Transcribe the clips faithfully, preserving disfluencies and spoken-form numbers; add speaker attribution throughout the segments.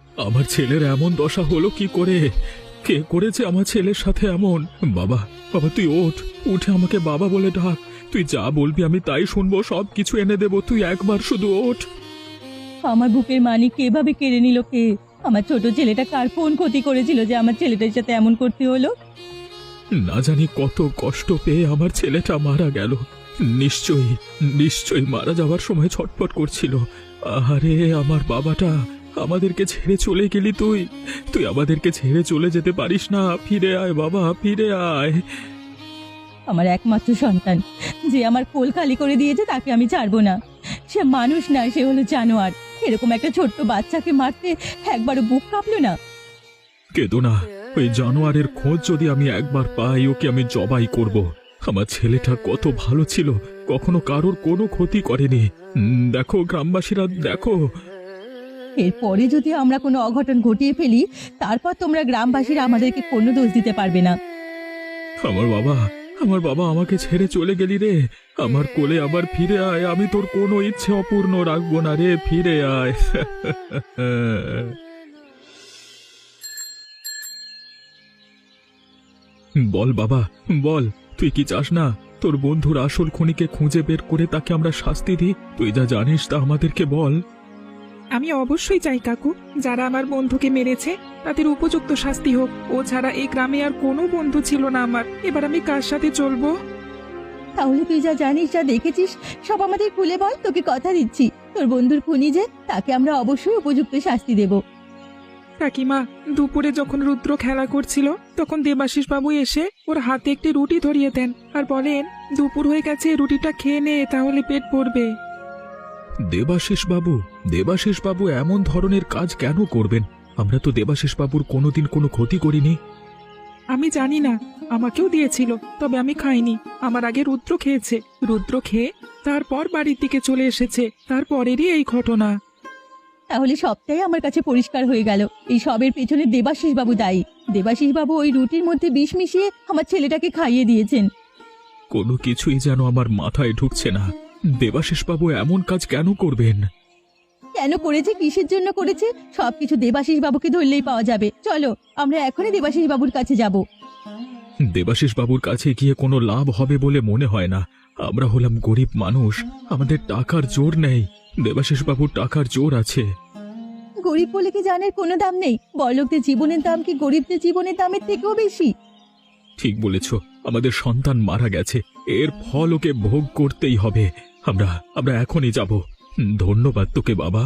Speaker 1: আমার ছেলের এমন দশা হলো কি করে? কে করেছে আমার ছেলের সাথে এমন? বাবা, বাবা তুই ওঠ, উঠে আমাকে বাবা বলে ডাক। তুই যা বলবি আমি তাই শুনবো, সব কিছু এনে দেবো, তুই একবার শুধু ওঠ।
Speaker 2: আমার বুকের মানিক এভাবে কেড়ে নিল কে? আমার ছোট ছেলেটা কার কোন ক্ষতি করেছিল যে আমার ছেলেটার সাথে এমন করতে হলো?
Speaker 1: না জানি কত কষ্ট পেয়ে আমার ছেলেটা মারা গেল। নিশ্চয়ই নিশ্চয়ই মারা যাওয়ার সময় ছটফট করছিল। আরে আমার বাবাটা, আমাদেরকে ছেড়ে চলে গেলি তুই। তুই আমাদেরকে ছেড়ে চলে যেতে পারিস না। ফিরে আয় বাবা, ফিরে আয়।
Speaker 2: আমার একমাত্র সন্তান যে আমার কোল খালি করে দিয়েছে তাকে আমি ছাড়বো না। সে মানুষ না, সে হলো জানোয়ার। এরকম একটা ছোট্ট বাচ্চাকে মারতে একবারও বুক কাঁপলো না?
Speaker 1: কেঁদো না, ওই জানোয়ারের খোঁজ যদি আমি একবার পাই ওকে আমি জবাই করব। আমার ছেলেটা কত ভালো ছিল, কখনো কারোর কোনো ক্ষতি করেনি। উম, দেখো গ্রামবাসীরা, দেখো।
Speaker 2: এরপরে যদি আমরা কোনো অঘটন ঘটিয়ে ফেলি, তারপর তোমরা গ্রামবাসীরা আমাদেরকে কোনো দোষ দিতে পারবে না।
Speaker 1: আমার বাবা, আমার বাবা আমাকে ছেড়ে চলে গেলি রে। আমার কোলে আবার ফিরে আয়, আমি তোর কোনো ইচ্ছে অপূর্ণ রাখবো না রে, ফিরে আয়। বল বাবা, বল, তুই কি চাস না তোর বন্ধুর আসল খুনিকে খুঁজে বের করে তাকে আমরা শাস্তি দিই? তুই যা জানিস তা আমাদেরকে বল।
Speaker 3: আমি অবশ্যই চাই কাকু, যারা আমার বন্ধুকে মেরেছে তাদের উপযুক্ত শাস্তি হোক। ও ছাড়া এই গ্রামে আর কোনো বন্ধু ছিল না আমার। এবার আমি কার সাথে চলবো?
Speaker 2: তাহলে তুই যা জানিস, যা দেখেছিস, সব আমাদের খুলে বল। তোকে কথা দিচ্ছি, তোর বন্ধুর খুনি যে, তাকে আমরা অবশ্যই উপযুক্ত শাস্তি দেব।
Speaker 3: কাকিমা, দুপুরে যখন রুদ্র খেলা করছিল তখন দেবাশিস বাবু এসে ওর হাতে একটি রুটি ধরিয়ে দেন আর বলেন, দুপুর হয়ে গেছে, রুটিটা খেয়ে নে, তাহলে পেট ভরবে।
Speaker 1: দেবাশিস বাবু, দেবাশিস বাবু এমন ধরনের কাজ কেন করবেন? আমরা তো দেবাশিস বাবুর কোনোদিন কোনো ক্ষতি করিনি।
Speaker 3: আমি জানি না, আমাকেও দিয়েছিল, তবে আমি খাইনি। আমার আগে রুদ্র খেয়েছে। রুদ্র খেয়ে তারপর বাড়ির দিকে চলে এসেছে। তারপরেরই এই ঘটনা।
Speaker 2: তাহলে সবটাই আমার কাছে পরিষ্কার হয়ে গেল। এই সবের পেছনে দেবাশিস বাবু দায়ী। দেবাশিস বাবু ওই রুটির মধ্যে বিষ মিশিয়ে আমার ছেলেটাকে খাইয়ে দিয়েছেন।
Speaker 1: কোনো কিছুই যেন আমার মাথায় ঢুকছে না। দেবাশিস বাবু এমন কাজ কেন করবেন?
Speaker 2: কেন করেছে, কিসের জন্য করেছে, সবকিছু দেবাশিস বাবুকে ধরলেই পাওয়া যাবে। চলো, আমরা এখনই দেবাশিস বাবুর কাছে যাব।
Speaker 1: দেবাশিস বাবুর কাছে গিয়ে কোনো লাভ হবে বলে মনে হয় না। আমরা হলাম গরিব মানুষ, আমাদের টাকার জোর নেই। দেবাশিস বাবুর টাকার জোর আছে।
Speaker 2: গরিব বলে কি জানের কোনো দাম নেই? বড়লোকদের জীবনের দাম কি গরিবদের জীবনের দামের থেকেও বেশি?
Speaker 1: ঠিক বলেছ, আমাদের সন্তান মারা গেছে, এর ফল ওকে ভোগ করতেই হবে। আমরা আমরা এখনই যাব। ধন্যবাদ তোকে বাবা।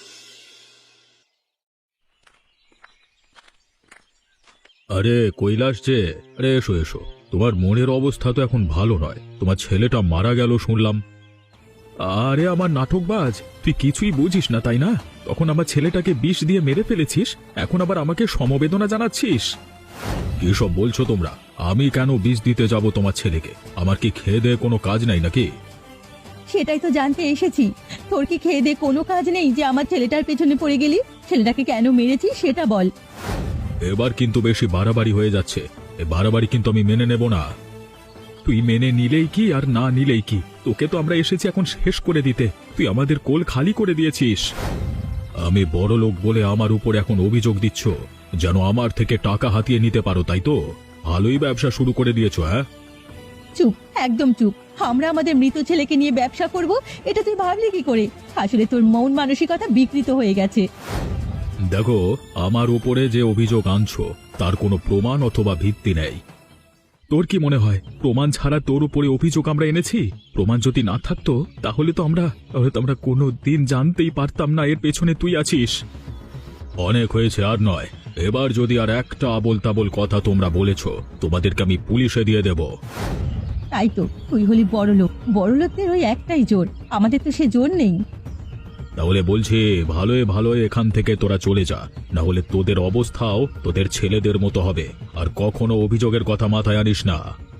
Speaker 1: আরে কৈলাস যে, আরে এসো এসো। তোমার মনের অবস্থা তো এখন ভালো নয়, তোমার ছেলেটা মারা গেল শুনলাম। আরে আমার নাটকবাজ, তুই কিছুই বুঝিস না তাই না? তখন আমার ছেলেটাকে বিষ দিয়ে মেরে ফেলেছিস, এখন আবার আমাকে সমবেদনা জানাচ্ছিস। কি সব বলছো তোমরা? আমি কেন বিষ দিতে যাব তোমার ছেলেকে? আমার কি খেয়ে দেয়ে কোনো কাজ নাই নাকি?
Speaker 2: সেটাই তো জানতে এসেছি। তোর কি খেয়ে দে কোনো কাজ নেই যে আমার ছেলেটার পেছনে পড়ে গেলি? ছেলেটাকে কেন মেরেছিস সেটা বল।
Speaker 1: এবার কিন্তু বেশি বাড়াবাড়ি হয়ে যাচ্ছে। এ বাড়াবাড়ি কিন্তু আমি মেনে নেব না। তুই মেনে নিলেই কি আর না নিলেই কি, তোকে তো আমরা এসেছি এখন শেষ করে দিতে। তুই আমাদের কোল খালি করে দিয়েছিস। আমি বড় লোক বলে আমার উপর এখন অভিযোগ দিচ্ছ, যেন আমার থেকে টাকা হাতিয়ে নিতে পারো, তাই তো? ভালোই ব্যবসা শুরু করে দিয়েছো। হ্যাঁ,
Speaker 2: চুপ, একদম চুপ। আমরা আমাদের মৃত ছেলেকে নিয়ে ব্যবসা করব, এটা তুই ভাবলি কি করে? আসলে তোর মন মানসিকতা বিকৃত হয়ে গেছে।
Speaker 1: দেখো, আমার উপরে যে অভিযোগ আনছো তার কোনো প্রমাণ অথবা ভিত্তি নেই। তোর কি মনে হয় প্রমাণ ছাড়া তোর উপরে অভিযোগ আমরা এনেছি? প্রমাণ যদি না থাকতো তাহলে তো আমরা হয়তো আমরা কোনো দিন জানতেই পারতাম না এর পেছনে তুই আছিস। অনেক হয়েছে, আর নয়। এবার যদি আর একটা আবোল তাবোল কথা তোমরা বলেছো, তোমাদেরকে আমি পুলিশে দিয়ে দেব।
Speaker 2: তাই তো, তুই হলি বড় লোক, বড় লোকদের ওই একটাই জোর, আমাদের তো সে জোর নেই।
Speaker 1: তাহলে বলছি, ভালোই ভালোই এখান থেকে তোরা চলে যা, না হলে তোদের অবস্থাও তোদের ছেলেদের মতো হবে। আর কখনো অভিযোগের কথা মাথায় আনিস না।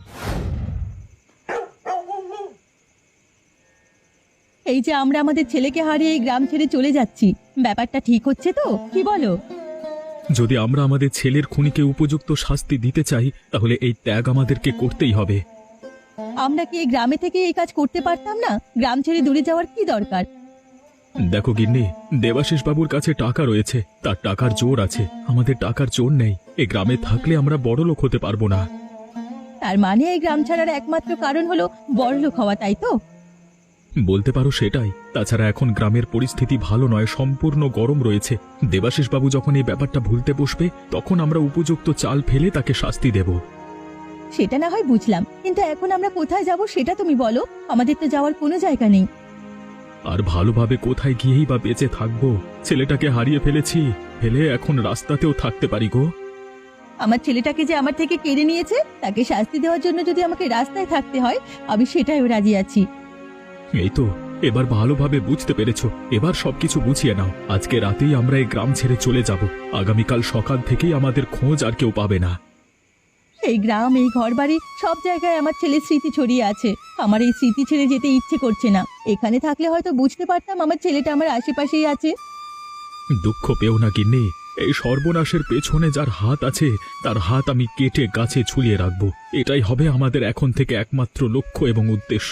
Speaker 2: এই যে আমরা আমাদের ছেলেকে হারিয়ে এই গ্রাম ছেড়ে চলে যাচ্ছি, ব্যাপারটা ঠিক হচ্ছে তো? কি বলো?
Speaker 1: যদি আমরা আমাদের ছেলের খুনিকে উপযুক্ত শাস্তি দিতে চাই তাহলে এই ত্যাগ আমাদেরকে করতেই হবে।
Speaker 2: আমরা কি এই গ্রামে থেকে এই কাজ করতে পারতাম না? গ্রাম ছেড়ে দূরে যাওয়ার কি দরকার?
Speaker 1: দেখো গিন্নি, দেবাশিস বাবুর কাছে টাকা রয়েছে, তার টাকার জোর আছে, আমাদের টাকার জোর নেই। এই গ্রামে থাকলে আমরা বড়লোক হতে পারবো না।
Speaker 2: তার মানে এই গ্রাম ছাড়ার একমাত্র কারণ হলো বড়লোক হওয়া, তাই তো?
Speaker 1: বলতে পারো সেটাই। তাছাড়া এখন গ্রামের পরিস্থিতি ভালো নয়, সম্পূর্ণ গরম রয়েছে। দেবাশিস বাবু যখন এই ব্যাপারটা ভুলতে বসবে, তখন আমরা উপযুক্ত চাল ফেলে তাকে শাস্তি দেব।
Speaker 2: সেটা না হয় বুঝলাম, কিন্তু এখন আমরা কোথায় যাব সেটা তুমি বলো। আমাদের তো যাওয়ার কোনো জায়গা নেই।
Speaker 1: আর ভালোভাবে কোথায় গিয়েই বা বেঁচে থাকবো? ছেলেটাকে হারিয়ে ফেলেছি, ফেলে এখন রাস্তাতেও থাকতে পারি গো।
Speaker 2: আমার ছেলেটাকে যে আমার থেকে কেড়ে নিয়েছে, তাকে শাস্তি দেওয়ার জন্য যদি আমাকে রাস্তায় থাকতে হয়, আমি সেটাইও রাজি আছি।
Speaker 1: এই তো, এবার ভালোভাবে বুঝতে পেরেছো। এবার সবকিছু বুঝিয়ে নাও। আজকে রাতেই আমরা এই গ্রাম ছেড়ে চলে যাব। আগামীকাল সকাল থেকেই আমাদের খোঁজ আর কেউ পাবে না।
Speaker 2: এই গ্রাম, এই ঘরবাড়ি, সব জায়গায় আমার ছেলের স্মৃতি ছড়িয়ে আছে। আমার এই স্মৃতি ছেড়ে যেতে ইচ্ছে করছে না। এখানে থাকলে হয়তো বুঝতে পারতাম আমার ছেলেটা আমার আশেপাশেই আছে।
Speaker 1: দুঃখ পেও না গিন্নি, এই সর্বনাশের পেছনে যার হাত আছে, তার হাত আমি কেটে গাছে ঝুলিয়ে রাখবো। এটাই হবে আমাদের এখন থেকে একমাত্র লক্ষ্য এবং উদ্দেশ্য।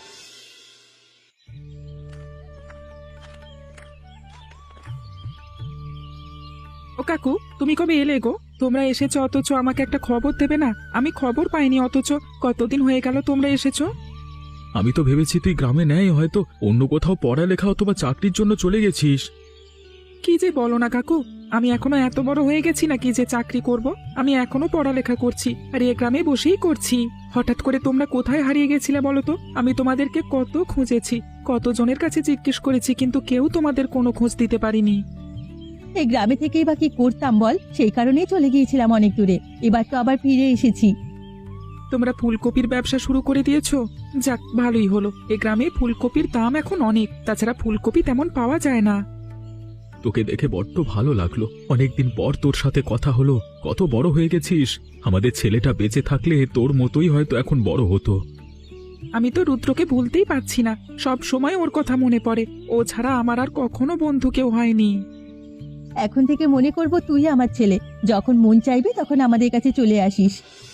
Speaker 3: ও কাকু, তুমি কবে এলে গো? তোমরা এসেছো অথচ আমাকে একটা খবর দেবে না? আমি খবর পাইনি, অথচ কতদিন হয়ে গেল তোমরা এসেছো।
Speaker 1: আমি তো ভেবেছি তুই গ্রামে নেই, হয়তো অন্য কোথাও পড়ালেখা অথবা চাকরির জন্য চলে গেছিস।
Speaker 3: কি যে বলো না কাকু, আমি এখনো এত বড় হয়ে গেছি নাকি যে চাকরি করব? আমি এখনো পড়ালেখা করছি, আর এ গ্রামে বসেই করছি। হঠাৎ করে তোমরা কোথায় হারিয়ে গেছিলে বলো তো? আমি তোমাদেরকে কত খুঁজেছি, কত জনের কাছে জিজ্ঞেস করেছি, কিন্তু কেউ তোমাদের কোনো খোঁজ দিতে পারিনি।
Speaker 2: এই গ্রামে থেকেই বা কি করতাম বল? সেই কারণেই চলে গিয়েছিলাম অনেক দূরে। এবার তো আবার ফিরে এসেছি।
Speaker 3: তোমরা ফুলকপির ব্যবসা শুরু করে দিয়েছো, যাক ভালোই হলো। এ গ্রামে ফুলকপির দাম এখন অনেক, তাছাড়া ফুলকপি তেমন পাওয়া যায় না।
Speaker 1: তোকে দেখে বড্ড ভালো লাগলো। অনেকদিন পর তোর সাথে কথা হলো। কত বড় হয়ে গেছিস। আমাদের ছেলেটা বেঁচে থাকলে তোর মতোই হয়তো এখন বড় হতো।
Speaker 3: আমি তো রুদ্রকে ভুলতেই পারছি না, সব সময় ওর কথা মনে পড়ে। ও ছাড়া আমার আর কখনো বন্ধু কেউ হয়নি।
Speaker 2: এখন থেকে মনে করব তুই আমার ছেলে। যখন মন চাইবে তখন আমাদের কাছে চলে আসিস।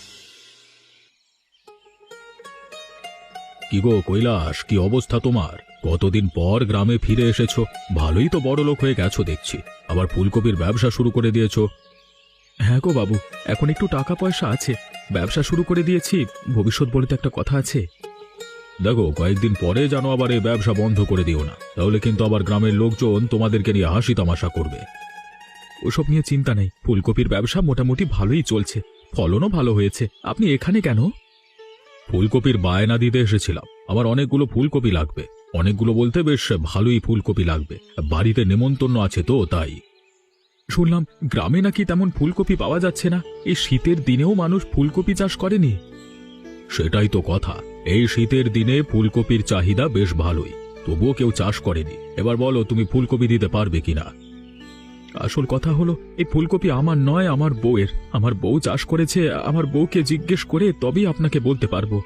Speaker 1: কি গো কৈলাস, কি অবস্থা তোমার? কতদিন পর গ্রামে ফিরে এসেছো। ভালোই তো বড় লোক হয়ে গেছো দেখছি। আবার ফুলকপির ব্যবসা শুরু করে দিয়েছো। হ্যাঁ গো বাবু, এখন একটু টাকা পয়সা আছে, ব্যবসা শুরু করে দিয়েছি। ভবিষ্যৎ বলে তো একটা কথা আছে। দেখো, কয়েকদিন পরে যেন আবার এই ব্যবসা বন্ধ করে দিও না, তাহলে কিন্তু আবার গ্রামের লোকজন তোমাদেরকে নিয়ে হাসি তামাশা করবে। ওসব নিয়ে চিন্তা নেই, ফুলকপির ব্যবসা মোটামুটি ভালোই চলছে, ফলনও ভালো হয়েছে। আপনি এখানে কেন? ফুলকপির বায়না দিতে এসেছিলাম। আমার অনেকগুলো ফুলকপি লাগবে। অনেকগুলো বলতে বেশ ভালোই ফুলকপি লাগবে। বাড়িতে নেমন্তন্ন আছে তো, তাই। শুনলাম গ্রামে নাকি তেমন ফুলকপি পাওয়া যাচ্ছে না। এই শীতের দিনেও মানুষ ফুলকপি চাষ করেনি। সেটাই তো কথা, এই শীতের দিনে ফুলকপির চাহিদা বেশ ভালোই, তবুও কেউ চাষ করেনি। এবার বলো, তুমি ফুলকপি দিতে পারবে কিনা? আসল কথা হলো, এই ফুলকপি আমার নয়, আমার বউয়ের। আমার বউ চাষ করেছে। আমার বউকে জিজ্ঞেস করে তবেই আপনাকে বলতে পারবো।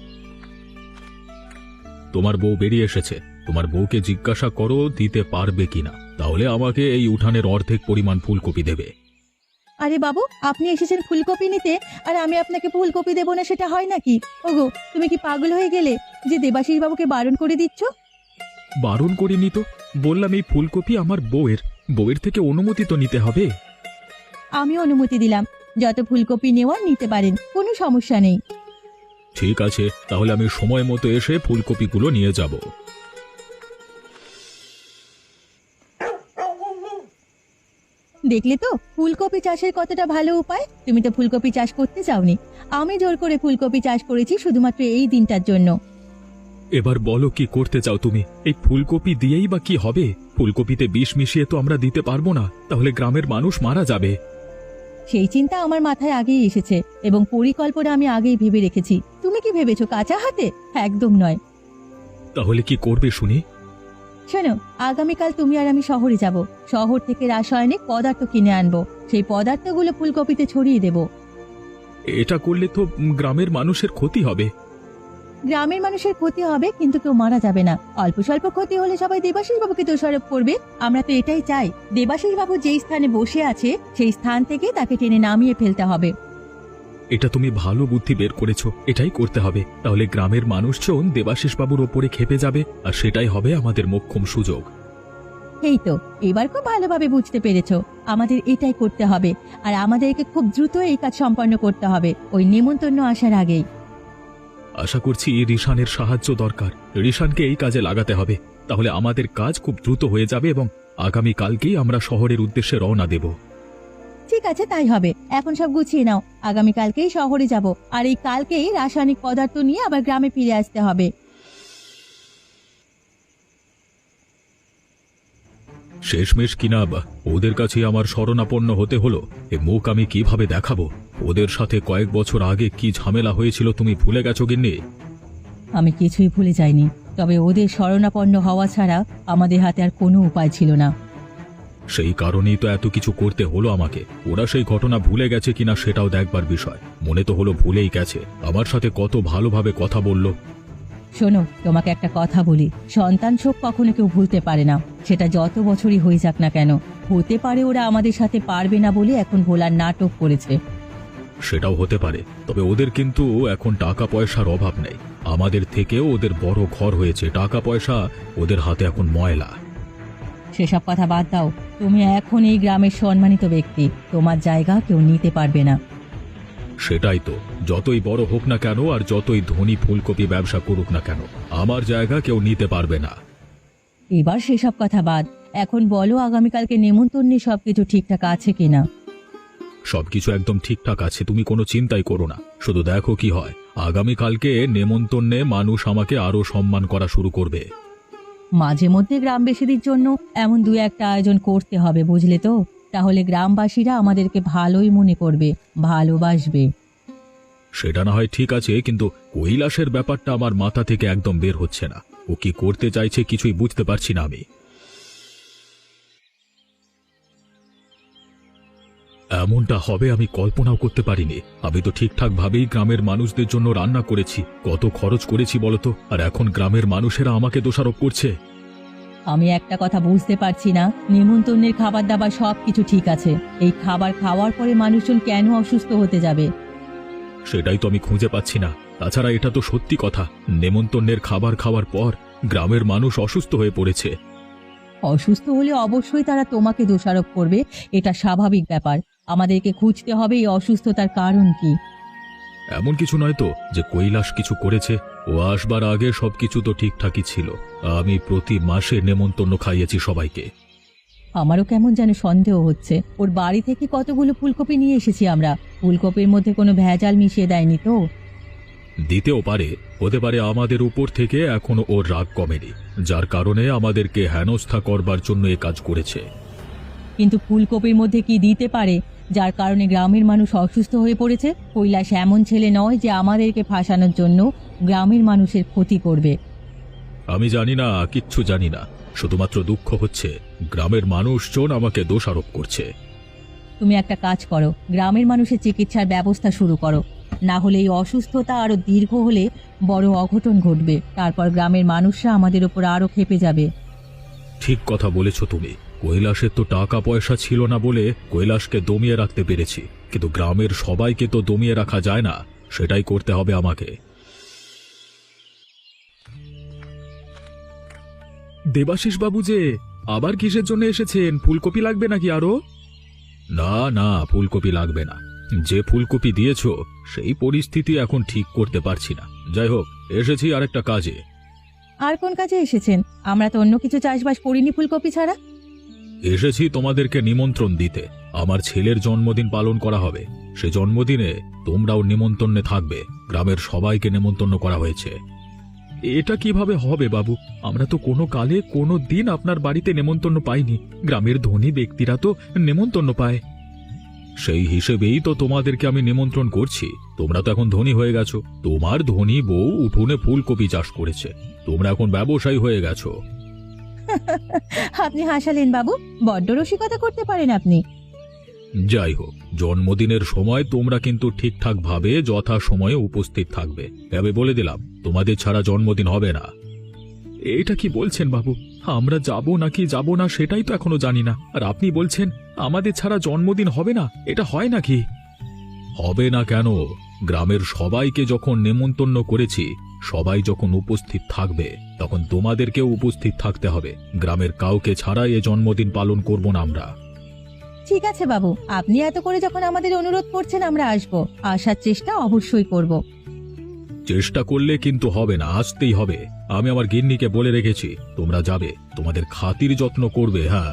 Speaker 1: তোমার বউ বেরিয়ে এসেছে, তোমার বউকে জিজ্ঞাসা করো দিতে পারবে কিনা, তাহলে আমাকে এই উঠানের অর্ধেক পরিমাণ ফুলকপি দেবে।
Speaker 2: আরে বাবু, আপনি এসেছেন ফুলকপি নিতে, আর আমি আপনাকে ফুলকপি দেবো না, সেটা হয় নাকি? ওগো, তুমি কি পাগল হয়ে গেলে যে দেবাশিস বাবুকে বারণ করে দিচ্ছ?
Speaker 1: বারণ করিনি তো, বললাম এই ফুলকপি আমার বউয়ের। বউয়ের থেকে অনুমতি তো নিতে হবে।
Speaker 2: আমি অনুমতি দিলাম, যত ফুলকপি নেওয়ার নিতে পারেন, কোনো সমস্যা নেই।
Speaker 1: ঠিক আছে, তাহলে আমি সময় মতো এসে ফুলকপিগুলো নিয়ে যাব।
Speaker 2: দেখলে তো ফুলকপি চাষের কতটা ভালো উপায়। তুমি তো ফুলকপি চাষ করতে চাওনি, আমি জোর করে ফুলকপি চাষ করেছি শুধুমাত্র এই দিনটার জন্য।
Speaker 1: এবার বলো কি করতে চাও তুমি? এই ফুলকপি দিয়েই বা কি হবে? ফুলকপিতে বিষ মিশিয়ে তো আমরা দিতে পারবো না, তাহলে গ্রামের মানুষ মারা যাবে।
Speaker 2: সেই চিন্তা আমার মাথায় আগেই এসেছে এবং পরিকল্পনা আমি আগেই ভেবে রেখেছি। তুমি কি ভেবেছো কাঁচা হাতে? একদম নয়।
Speaker 1: তাহলে কি করবে শুনি?
Speaker 2: শোনো, আগামীকাল তুমি আর আমি শহরে যাব। শহর থেকে রাসায়নিক পদার্থ কিনে আনবো, সেই পদার্থগুলো ফুলকপিতে ছড়িয়ে দেব।
Speaker 1: এটা করলে তো গ্রামের মানুষের ক্ষতি হবে।
Speaker 2: গ্রামের মানুষের ক্ষতি হবে, কিন্তু কেউ মারা যাবে না। অল্প স্বল্প ক্ষতি হলে সবাই দেবাশিস বাবুকে দোষারোপ করবে। আমরা তো এটাই চাই, দেবাশিস বাবু যেই স্থানে বসে আছে সেই স্থান থেকে তাকে টেনে নামিয়ে ফেলতে হবে।
Speaker 1: এটা তুমি ভালো বুদ্ধি বের করেছো, এটাই করতে হবে। তাহলে গ্রামের মানুষজন দেবাশিস বাবুর ওপরে খেপে যাবে, আর সেটাই হবে আমাদের মোক্ষম সুযোগ।
Speaker 2: এই তো, এবার খুব ভালোভাবে বুঝতে পেরেছো। আমাদের এটাই করতে হবে, আর আমাদেরকে খুব দ্রুত এই কাজ সম্পন্ন করতে হবে, ওই নেমন্তন্ন আসার আগেই।
Speaker 1: আশা করছি রিশানের সাহায্য দরকার। রিশানকে এই কাজে লাগাতে হবে, তাহলে আমাদের কাজ খুব দ্রুত হয়ে যাবে এবং আগামী কালকেই আমরা শহরের উদ্দেশ্যে রওনা দেব।
Speaker 2: ঠিক আছে, তাই হবে। এখন সব গুছিয়ে নাও, আগামীকালকেই শহরে যাব, আর এই কালকেই রাসায়নিক পদার্থ নিয়ে আবার গ্রামে ফিরে আসতে হবে।
Speaker 1: শেষমেশ কিনা বা ওদের কাছে আমার শরণাপন্ন হতে হলো। এ মুখ আমি কিভাবে দেখাবো? ওদের সাথে কয়েক বছর আগে কি ঝামেলা হয়েছিল তুমি ভুলে গেছো গিন্নি?
Speaker 2: আমি কিছুই ভুলে যাইনি, তবে ওদের শরণাপন্ন হওয়া ছাড়া আমাদের হাতে আর কোনো উপায় ছিল না।
Speaker 1: সেই কারণেই তো এত কিছু করতে হলো আমাকে। ওরা সেই ঘটনা ভুলে গেছে কিনা সেটাও দেখবার বিষয়। মনে তো হলো ভুলেই গেছে। আমার সাথে কত ভালোভাবে কথা বললো।
Speaker 2: শোনো, তোমাকে একটা কথা বলি, সন্তান শোক কখনো কেউ ভুলতে পারে না, সেটা যত বছরই হয়ে যাক না কেন। হতে পারে ওরা আমাদের সাথে পারবে না বলে এখন ভোলার নাটক করেছে।
Speaker 1: সেটাও হতে পারে, তবে ওদের কিন্তু এখন টাকা পয়সার অভাব নেই। আমাদের থেকেও ওদের বড় ঘর হয়েছে, টাকা পয়সা ওদের হাতে এখন ময়লা।
Speaker 2: সেসব কথা বাদ দাও, তুমি এখন এই গ্রামের সম্মানিত ব্যক্তি, তোমার জায়গা কেউ নিতে পারবে না।
Speaker 1: সেটাই তো, যতই বড় হোক না কেন আর যতই ধনী ফুলকপি ব্যবসা করুক না কেন, আমার জায়গা কেউ নিতে পারবে না।
Speaker 2: এবার সেসব কথা বাদ, এখন বলো আগামীকালকে নেমন্তন্নে সবকিছু ঠিকঠাক আছে কিনা।
Speaker 1: সবকিছু একদম ঠিকঠাক আছে, তুমি কোনো চিন্তাই করো না। শুধু দেখো কি হয়। আগামীকালকে নেমন্তন্নে মানুষ আমাকে আরো সম্মান করা শুরু করবে।
Speaker 2: মাঝে মধ্যে গ্রামবাসীদের জন্য এমন দু একটা আয়োজন করতে হবে, বুঝলে তো? তাহলে গ্রামবাসীরা আমাদেরকে ভালোই মনে করবে, ভালোবাসবে।
Speaker 1: সেটা না হয় ঠিক আছে, কিন্তু কৈলাসের ব্যাপারটা আমার মাথা থেকে একদম বের হচ্ছে না। ও কি করতে চাইছে কিছুই বুঝতে পারছি না আমি। এমনটা হবে আমি কল্পনাও করতে পারিনি। আমি তো ঠিকঠাক ভাবেই গ্রামের মানুষদের জন্য রান্না করেছি, কত খরচ করেছি বলতো, আর এখন গ্রামের মানুষেরা আমাকে দোষারোপ করছে।
Speaker 2: আমি একটা কথা বুঝতে পারছি না, নেমন্তন্নের খাবার দাবার সবকিছু ঠিক আছে, এই খাবার খাওয়ার পরে মানুষজন কেন অসুস্থ হতে যাবে?
Speaker 1: সেটাই তো আমি খুঁজে পাচ্ছি না। তাছাড়া এটা তো সত্যি কথা, নেমন্তন্নের খাবার খাওয়ার পর গ্রামের মানুষ অসুস্থ হয়ে পড়েছে।
Speaker 2: অসুস্থ হলে অবশ্যই তারা তোমাকে দোষারোপ করবে, এটা স্বাভাবিক ব্যাপার। আমাদেরকে খুঁজতে হবে এই অসুস্থতার কারণ কি।
Speaker 1: এমন কিছু নয় তো যে কৈলাস কিছু করেছে। ও আসবার আগে সবকিছু তো ঠিকঠাকই ছিল। আমি প্রতি মাসে নেমন্তন্ন খাইয়েছি সবাইকে।
Speaker 2: আমারও কেমন যেন সন্দেহ হচ্ছে। ওর বাড়ি থেকে কতগুলো ফুলকপি নিয়ে এসেছি আমরা, ফুলকপির মধ্যে কোনো ভেজাল মিশিয়ে দেয়নি তো?
Speaker 1: দিতেও পারে, হতে পারে আমাদের উপর থেকে এখনো ওর রাগ কমেনি, যার কারণে আমাদেরকে হেনস্থা করবার জন্য এ কাজ করেছে।
Speaker 2: কিন্তু ফুলকপির মধ্যে কি দিতে পারে যার কারণে গ্রামের মানুষ অসুস্থ হয়ে পড়েছে? কৈলাস এমন ছেলে নয় যে আমাদেরকে ফাঁসানোর জন্য গ্রামের মানুষের ক্ষতি করবে।
Speaker 1: আমি জানি না, কিচ্ছু জানি না। শুধুমাত্র দুঃখ হচ্ছে গ্রামের মানুষজন আমাকে দোষারোপ করছে।
Speaker 2: তুমি একটা কাজ করো, গ্রামের মানুষের চিকিৎসার ব্যবস্থা শুরু করো, না হলে এই অসুস্থতা আরো দীর্ঘ হলে বড় অঘটন ঘটবে, তারপর গ্রামের মানুষরা আমাদের উপর আরো ক্ষেপে যাবে।
Speaker 1: ঠিক কথা বলেছ তুমি। কৈলাসের তো টাকা পয়সা ছিল না বলে কৈলাসকে দমিয়ে রাখতে পেরেছি, কিন্তু গ্রামের সবাইকে তো দমিয়ে রাখা যায় না। সেটাই করতে হবে আমাকে। দেবাশিস বাবু যে আবার কিসের জন্য এসেছেন? ফুলকপি লাগবে নাকি আরো? না না, ফুলকপি লাগবে না। যে ফুলকপি দিয়েছো সেই পরিস্থিতি এখন ঠিক করতে পারছি না। যাই হোক, এসেছি আরেকটা কাজে।
Speaker 2: আর কোন কাজে এসেছেন? আমরা তো অন্য কিছু চাষবাস করিনি ফুলকপি ছাড়া।
Speaker 1: এসেছি তোমাদেরকে নিমন্ত্রণ দিতে। আমার ছেলের জন্মদিন পালন করা হবে, সে জন্মদিনে তোমরাও নিমন্ত্রণে থাকবে। গ্রামের সবাইকে নিমন্ত্রণ করা হয়েছে। এটা কিভাবে হবে বাবু? আমরা তো কোনো কালে কোনো দিন আপনার বাড়িতে নেমন্তন্ন পাইনি। গ্রামের ধনী ব্যক্তিরা তো নেমন্তন্ন পায়। সেই হিসেবেই তো তোমাদেরকে আমি নিমন্ত্রণ করছি। তোমরা তো এখন ধনী হয়ে গেছো। তোমার ধনী বউ উঠোনে ফুলকপি চাষ করেছে, তোমরা এখন ব্যবসায়ী হয়ে গেছো।
Speaker 2: আপনি হাসালেন বাবু, বড্ড রসিকতা করতে পারেন আপনি।
Speaker 1: যাই হোক, জন্মদিনের সময় তোমরা কিন্তু ঠিকঠাক ভাবে যথা সময়ে উপস্থিত থাকবে। তবে বলে দিলাম, তোমাদের ছাড়া জন্মদিন হবে না। এটা কি বলছেন বাবু? আমরা যাব নাকি যাব না সেটাই তো এখনো জানি না, আর আপনি বলছেন আমাদের ছাড়া জন্মদিন হবে না? এটা হয় নাকি? হবে না কেন? গ্রামের সবাইকে যখন নেমন্তন্ন করেছি, সবাই যখন উপস্থিত থাকবে তখন তোমাদেরকেও উপস্থিত থাকতে হবে। গ্রামের কাউকে ছাড়াই এ জন্মদিন পালন করব না আমরা।
Speaker 2: ঠিক আছে বাবু, আপনি এত করে যখন আমাদের অনুরোধ করছেন আমরা আসবো, আসার চেষ্টা অবশ্যই করব।
Speaker 1: চেষ্টা করলে কিন্তু হবে না, আসতেই হবে। আমি আমার গিন্নিকে বলে রেখেছি তোমরা যাবে, তোমাদের খাতির যত্ন করবে। হ্যাঁ,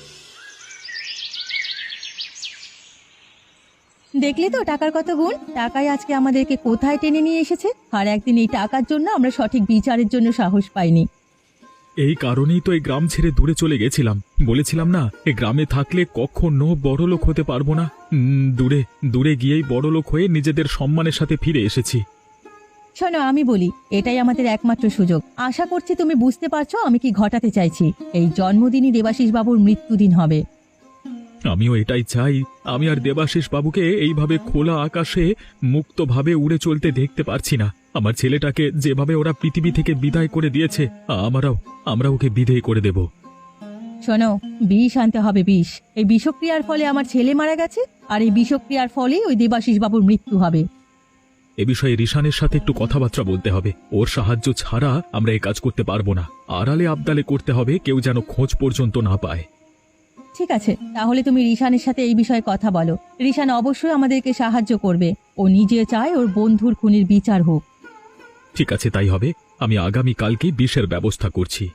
Speaker 2: দেখলি তো টাকার কত গুণ, টাকাই আজকে আমাদেরকে কোথায় টেনে নিয়ে এসেছে। আর একদিন এই টাকার জন্য আমরা সঠিক বিচারের জন্য সাহস পাইনি।
Speaker 1: এই কারণেই তো এই গ্রাম ছেড়ে দূরে চলে গেছিলাম। বলেছিলাম না, এই গ্রামে থাকলে কখনো বড়লোক হতে পারবো না। উম, দূরে দূরে গিয়েই বড়লোক হয়ে নিজেদের সম্মানের সাথে ফিরে এসেছি।
Speaker 2: শোনো, আমি বলি, এটাই আমাদের একমাত্র সুযোগ। আশা করছি তুমি বুঝতে পারছো আমি কি ঘটাতে চাইছি। এই জন্মদিনই দেবাশিস বাবুর মৃত্যুদিন হবে।
Speaker 1: আমিও এটাই চাই। আমি আর দেবাশিস বাবুকে এইভাবে খোলা আকাশে মুক্তভাবে উড়ে চলতে দেখতে পারছি না। আমার ছেলেটাকে যেভাবে ওরা পৃথিবী থেকে বিদায় করে দিয়েছে, আমরাও আমরা ওকে বিদায় করে দেব।
Speaker 2: শোনো, বিষ আনতে হবে, বিষ। এই বিষক্রিয়ার ফলে আমার ছেলে মারা গেছে, আর এই বিষক্রিয়ার ফলেই ওই দেবাশিস বাবুর মৃত্যু হবে।
Speaker 1: এ বিষয়ে রিশানের সাথে একটু কথাবার্তা বলতে হবে। ওর সাহায্য ছাড়া আমরা এই কাজ করতে পারবো না। আড়ালে আবদালে করতে হবে, কেউ যেন খোঁজ পর্যন্ত না পায়।
Speaker 2: ঠিক আছে, তাহলে তুমি রিশানের সাথে এই বিষয়ে কথা বলো। রিশান অবশ্যই আমাদেরকে সাহায্য করবে। ও নিজে চায় ওর বন্ধুর খুনির বিচার হোক।
Speaker 1: ঠিক আছে, তাই হবে। আমি আগামী কালকেই বিষের ব্যবস্থা করছি।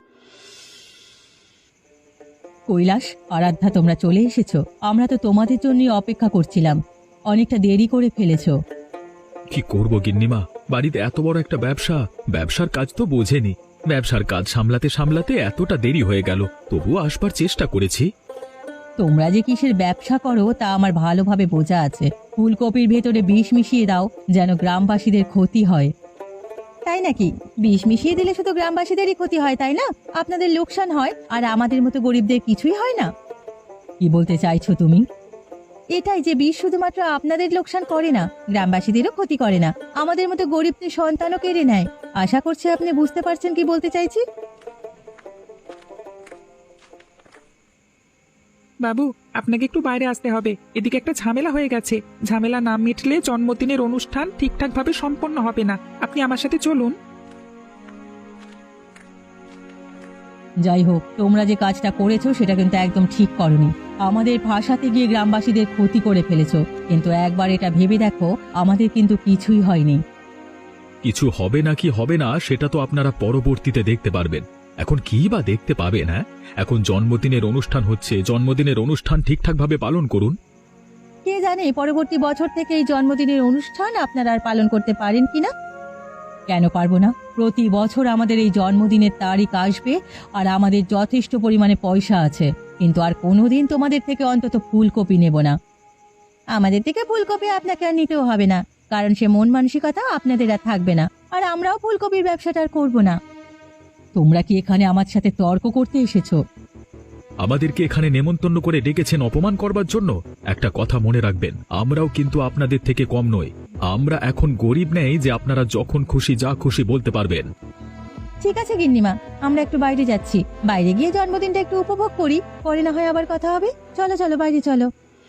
Speaker 2: কৈলাস, আরাধ্যা, তোমরা চলে এসেছো। আমরা তো তোমাদের জন্যই অপেক্ষা করছিলাম। অনেকটা দেরি করে ফেলেছো।
Speaker 1: কি করব গিন্নিমা, বাড়িতে এত বড় একটা ব্যবসা, ব্যবসার কাজ তো বোঝেনি। ব্যবসার কাজ সামলাতে সামলাতে এতটা দেরি হয়ে গেল, তবুও আসবার চেষ্টা করেছি।
Speaker 2: তোমরা যে কিসের ব্যবসা করো তা আমার ভালোভাবে বোঝা আছে। ফুলকপির ভেতরে বিষ মিশিয়ে দাও যেন গ্রামবাসীদের ক্ষতি হয়। তাই নাকি? বিষ মিশিয়ে দিলে শুধু গ্রামবাসীদেরই ক্ষতি হয়, তাই না? আপনাদের লোকসান হয়, আর আমাদের মতো গরিবদের কিছুই হয় না। কি বলতে চাইছো তুমি? এটাই যে বিষ শুধুমাত্র আপনাদের লোকসান করে না, গ্রামবাসীদেরও ক্ষতি করে না, আমাদের মতো গরিবদের সন্তানও কেড়ে নেয়। আশা করছি আপনি বুঝতে পারছেন কি বলতে চাইছি।
Speaker 3: বাবু, আপনাকে একটু বাইরে আসতে হবে। এদিকে একটা ঝামেলা হয়ে গেছে। ঝামেলা না মিটলে জন্মদিনের অনুষ্ঠান ঠিকঠাক ভাবে সম্পন্ন হবে না। আপনি আমার সাথে চলুন।
Speaker 2: যাই হোক, তোমরা যে কাজটা করেছো সেটা কিন্তু একদম ঠিক করনি। আমাদের ভাষাতে গিয়ে গ্রামবাসীদের ক্ষতি করে ফেলেছো। কিন্তু একবার এটা ভেবে দেখো, আমাদের কিন্তু কিছুই হয়নি।
Speaker 1: কিছু হবে না কি হবে না সেটা তো আপনারা পরবর্তীতে দেখতে পারবেন। এখন কি বা দেখতে পাবেন? হ্যাঁ, এখন জন্মদিনের অনুষ্ঠান হচ্ছে, জন্মদিনের অনুষ্ঠান ঠিকঠাকভাবে পালন করুন।
Speaker 2: কে জানে পরবর্তী বছর থেকে এই জন্মদিনের অনুষ্ঠান আপনারা আর পালন করতে পারেন কিনা। কেন পারবো না? প্রতি বছর আমাদের এই জন্মদিনের তারিখ আসবে, আর আমাদের যথেষ্ট পরিমাণে পয়সা আছে, কিন্তু আর কোনোদিন তোমাদের থেকে অন্তত ফুলকপি নেব না। আমাদের থেকে ফুলকপি আপনাকে আর নিতেও হবে না, কারণ সে মন মানসিকতা আপনাদের আর থাকবে না, আর আমরাও ফুলকপির ব্যবসাটা আর করবো না। তোমরা কি এখানে আমার সাথে তর্ক করতে এসেছো?
Speaker 1: আমাদেরকে এখানে নেমন্তন্ন করে ডেকেছেন অপমান করবার জন্য? একটা কথা মনে রাখবেন, আমরাও কিন্তু আপনাদের থেকে কম নই। আমরা এখন গরিব নেই যে আপনারা যখন খুশি যা খুশি বলতে পারবেন।
Speaker 2: ঠিক আছে গিন্নিমা, আমরা একটু বাইরে যাচ্ছি। বাইরে গিয়ে জন্মদিনটা একটু উপভোগ করি, পরে না হয় আবার কথা হবে। চলো চলো, বাইরে চলো।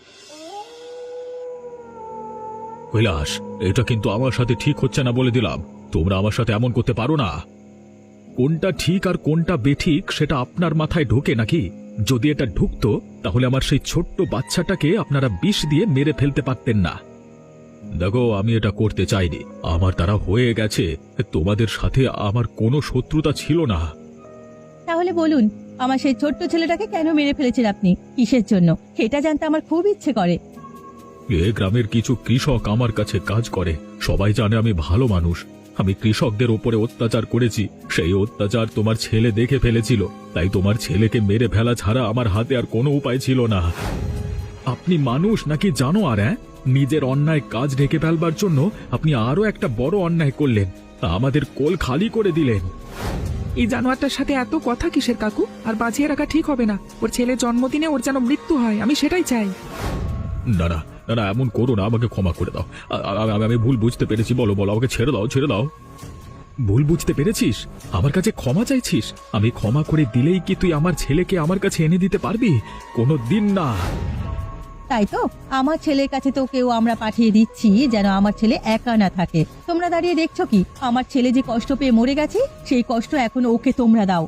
Speaker 1: কৈলাস, এটা কিন্তু আমার সাথে ঠিক হচ্ছে না বলে দিলাম। তোমরা আমার সাথে এমন করতে পারো না। কোনটা ঠিক আর কোনটা বেঠিক সেটা আপনার মাথায় ঢোকে নাকি? যদি এটা ঢুকতো তাহলে আমার সেই ছোট্ট বাচ্চাটাকে আপনারা বিষ দিয়ে মেরে ফেলতে পারতেন না। দেখো, আমি এটা করতে চাইনি, আমার দ্বারা হয়ে গেছে। তোমাদের সাথে আমার কোনো শত্রুতা ছিল না।
Speaker 2: তাহলে বলুন, আমার সেই ছোট্ট ছেলেটাকে কেন মেরে ফেলেছেন আপনি? কিসের জন্য? এটা জানতে আমার খুব ইচ্ছে করে।
Speaker 1: এ গ্রামের কিছু কৃষক আমার কাছে কাজ করে। সবাই জানে আমি ভালো মানুষ। আমি কৃষকদের ওপরে অত্যাচার করেছি, সেই অত্যাচার তোমার ছেলে দেখে ফেলেছিল। তাই তোমার ছেলেকে মেরে ফেলা ছাড়া আমার হাতে আর কোনো উপায় ছিল না। আপনি মানুষ নাকি জানোয়ার? হ্যাঁ, নিজের অন্যায় কাজ ঢেকে ফেলবার জন্য আপনি আরো একটা বড় অন্যায় করলেন, আমাদের কোল খালি করে দিলেন।
Speaker 3: এই জানোয়ারটার সাথে এত কথা কিসের কাকু? আর বাঁচিয়ে রাখা ঠিক হবে না। ওর ছেলের জন্মদিনে ওর যেন মৃত্যু হয়, আমি সেটাই চাই।
Speaker 1: না না না না, এমন করো না, আমাকে ক্ষমা করে দাও। আ- আ- আমি- আমি ভুল বুঝতে পেরেছি। বলো বলো, আমাকে ছেড়ে দাও, ছেড়ে দাও। ভুল বুঝতে পেরেছিস? আমার কাছে ক্ষমা চাইছিস? আমি ক্ষমা করে দিলেই কি তুই আমার ছেলেকে আমার কাছে এনে দিতে পারবি? কোনো দিন না।
Speaker 2: তাই তো আমার ছেলের কাছে তো কেউ আমরা পাঠিয়ে দিচ্ছি যেন আমার ছেলে একা না থাকে। তোমরা দাঁড়িয়ে দেখছো কি? আমার ছেলে যে কষ্ট পেয়ে মরে গেছে সেই কষ্ট এখন ওকে তোমরা দাও।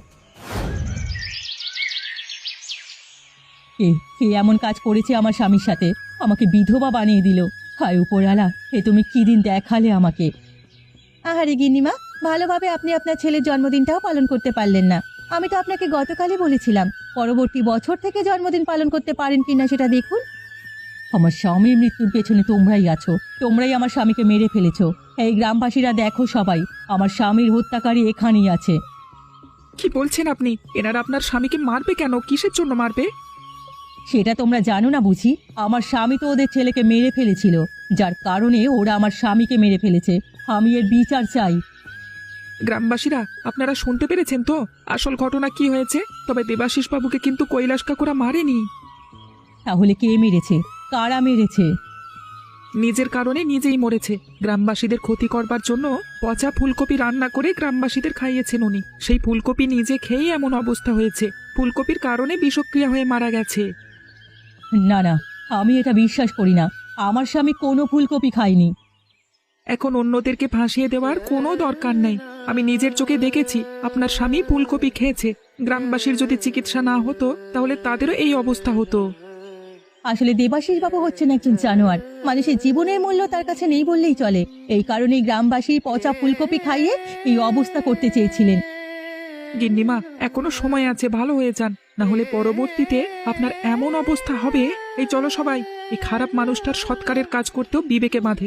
Speaker 2: কে কে এমন কাজ করেছে আমার স্বামীর সাথে? আমাকে বিধবা বানিয়ে দিল। হায় উপরওয়ালা, এ তুমি কি দিন দেখালে আমাকে। আহারে গিন্নিমা, ভালোভাবে আপনি আপনার ছেলের জন্মদিনটাও পালন করতে পারলেন না। আমি তো আপনাকে গতকালই বলেছিলাম পরবর্তী বছর থেকে জন্মদিন পালন করতে পারেন কিনা সেটা দেখুন। আমার স্বামীর মৃত্যুর পেছনে তোমরাই আছো, তোমরাই আমার স্বামীকে মেরে ফেলেছো। এই গ্রামবাসীরা দেখো সবাই, আমার স্বামীর হত্যাকারী এখানেই আছে।
Speaker 3: কি বলছেন আপনি? এনারা আপনার স্বামীকে মারবে কেন? কিসের জন্য মারবে?
Speaker 2: সেটা তোমরা জানো না বুঝি? আমার স্বামী তো ওদের ছেলেকে মেরে ফেলেছিল, যার কারণে ওরা আমার স্বামীকে মেরে ফেলেছে। আমি এর বিচার চাই।
Speaker 3: গ্রামবাসীরা, আপনারা শুনতে পেরেছেন তো আসল ঘটনা কি হয়েছে? তবে দেবাশিস বাবুকে কিন্তু কৈলাস কাকুরা মারেনি।
Speaker 2: তাহলে কে মেরেছে? কারা মেরেছে?
Speaker 3: নিজের কারণে নিজেই মরেছে। গ্রামবাসীদের ক্ষতি করবার জন্য পচা ফুলকপি রান্না করে গ্রামবাসীদের খাইয়েছেন উনি। সেই ফুলকপি নিজে খেয়েই এমন অবস্থা হয়েছে। ফুলকপির কারণে বিষক্রিয়া হয়ে মারা গেছে।
Speaker 2: না না, আমি এটা বিশ্বাস করি না। আমার স্বামী কোনো ফুলকপি খায়নি।
Speaker 3: এখন অন্যদেরকে ফাঁসিয়ে দেওয়ার কোনো দরকার নেই। আমি নিজের চোখে দেখেছি আপনার স্বামী ফুলকপি খেয়েছে। গ্রামবাসীর যদি চিকিৎসা না হতো তাহলে তাদেরও এই অবস্থা হতো।
Speaker 2: আসলে দেবাশিস বাবু হচ্ছেন একজন জানোয়ার। মানুষের জীবনের মূল্য তার কাছে নেই বললেই চলে। এই কারণেই গ্রামবাসী পচা ফুলকপি খাইয়ে এই অবস্থা করতে চেয়েছিলেন।
Speaker 3: গিন্নিমা, এখনো সময় আছে, ভালো হয়ে যান, না হলে পরবর্তীতে আপনার এমন অবস্থা হবে। এই চলো সবাই, এই খারাপ মানুষটার সৎকারের কাজ করতেও বিবেকে বাঁধে।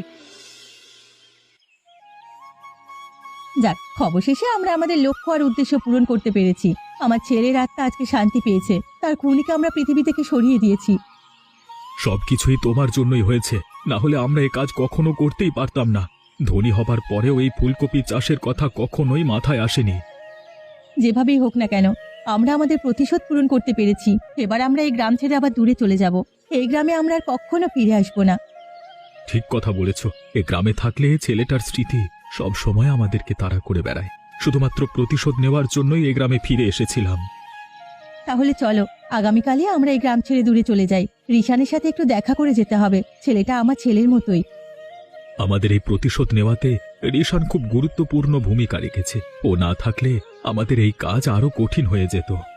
Speaker 2: যাক, অবশেষে আমরা আমাদের লক্ষ্য আর উদ্দেশ্য পূরণ করতে পেরেছি। আমার ছেলের আত্মা আজকে শান্তি পেয়েছে। তার খুনিকে আমরা পৃথিবী থেকে সরিয়ে দিয়েছি।
Speaker 1: সবকিছুই তোমার জন্যই হয়েছে, না হলে আমরা এ কাজ কখনো করতেই পারতাম না। ধনী হবার পরেও এই ফুলকপি চাষের কথা কখনোই মাথায় আসেনি।
Speaker 2: যেভাবেই হোক না কেন, আমরা আমাদের প্রতিশোধ পূরণ করতে পেরেছি। এবার আমরা এই গ্রাম ছেড়ে আবার দূরে চলে যাব। এই গ্রামে আমরা আর কখনো ফিরে আসবো না।
Speaker 1: ঠিক কথা বলেছ। এ গ্রামে থাকলে ছেলেটার স্মৃতি সব সময় আমাদেরকে তাড়া করে বেড়ায়। শুধুমাত্র প্রতিশোধ নেওয়ার জন্যই এই গ্রামে ফিরে এসেছিলাম।
Speaker 2: তাহলে চলো, আগামীকালই আমরা এই গ্রাম ছেড়ে দূরে চলে যাই। রিশানের সাথে একটু দেখা করে যেতে হবে। ছেলেটা আমার ছেলের মতোই।
Speaker 1: আমাদের এই প্রতিশোধ নেওয়াতে রিশান খুব গুরুত্বপূর্ণ ভূমিকা রেখেছে। ও না থাকলে আমাদের এই কাজ আরো কঠিন হয়ে যেত।